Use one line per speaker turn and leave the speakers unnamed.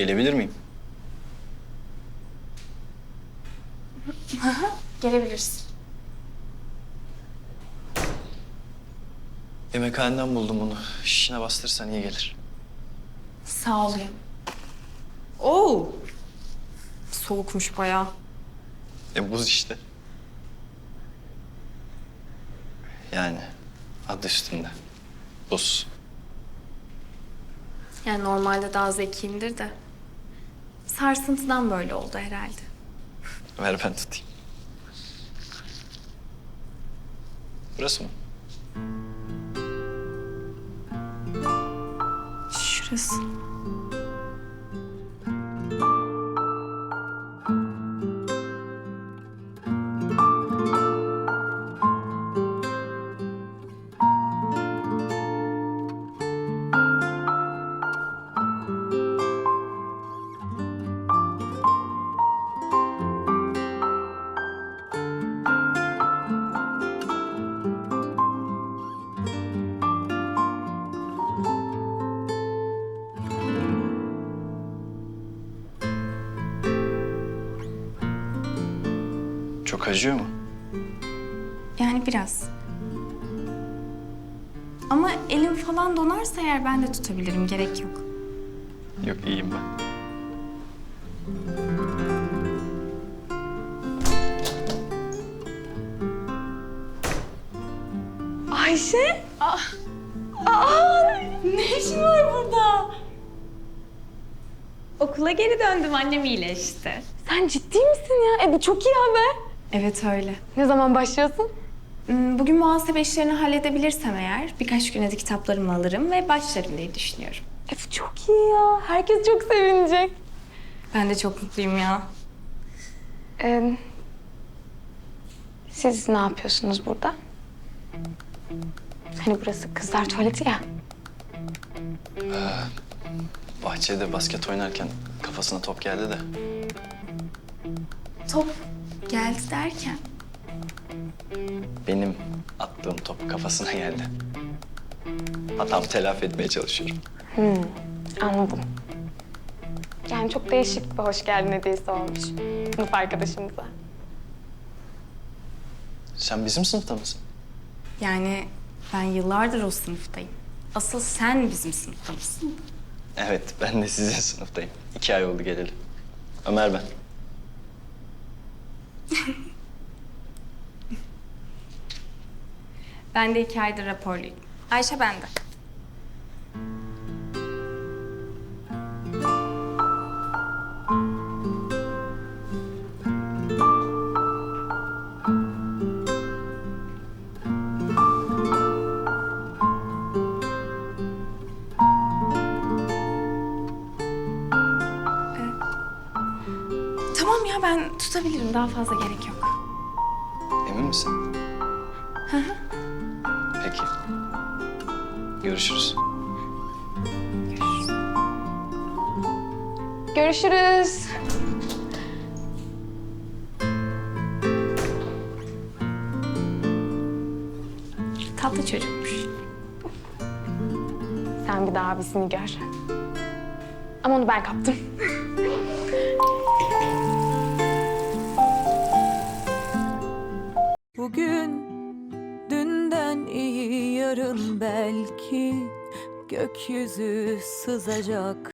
Gelebilir miyim?
Gelebilirsin.
Yemekhaneden buldum bunu. Şişine bastırırsan iyi gelir.
Sağ ol. Oo. Soğukmuş bayağı.
Buz işte. Yani adı üstünde. Buz.
Yani normalde daha zekiyimdir de. Sarsıntıdan böyle oldu herhalde.
Ver ben tutayım. Burası mı?
Şurası.
Çok acıyor mu?
Yani biraz. Ama elim falan donarsa eğer ben de tutabilirim. Gerek yok.
Yok, iyiyim ben.
Ayşe? Ne işin var burada?
Okula geri döndüm, annem iyileşti.
Sen ciddi misin ya? Bu çok iyi haber. Evet öyle.
Ne zaman başlıyorsun?
Bugün muhasebe işlerini halledebilirsem eğer birkaç güne de kitaplarımı alırım ve başlarım diye düşünüyorum.
Bu çok iyi ya. Herkes çok sevinecek.
Ben de çok mutluyum ya.
Siz ne yapıyorsunuz burada? Hani burası kızlar tuvaleti ya.
Bahçede basket oynarken kafasına top geldi de.
Top geldi derken.
Benim attığım top kafasına geldi. Hatamı telafi etmeye çalışıyorum.
Anladım. Yani çok değişik bir hoş geldin hediyesi olmuş sınıf arkadaşımıza.
Sen bizim sınıfta mısın?
Yani ben yıllardır o sınıftayım. Asıl sen bizim sınıfta mısın?
Evet, ben de sizin sınıftayım. 2 ay oldu geleli. Ömer ben.
Ben de 2 aydır raporluyum. Ayşe bende. Tamam ya ben tutabilirim. Daha fazla gerek yok.
Emin misin?
Hı hı.
Peki. Görüşürüz.
Görüşürüz.
Tatlı çocukmuş.
Sen bir daha abisini gör. Ama onu ben kaptım.
Bugün dünden iyi yarın belki gökyüzü sızacak.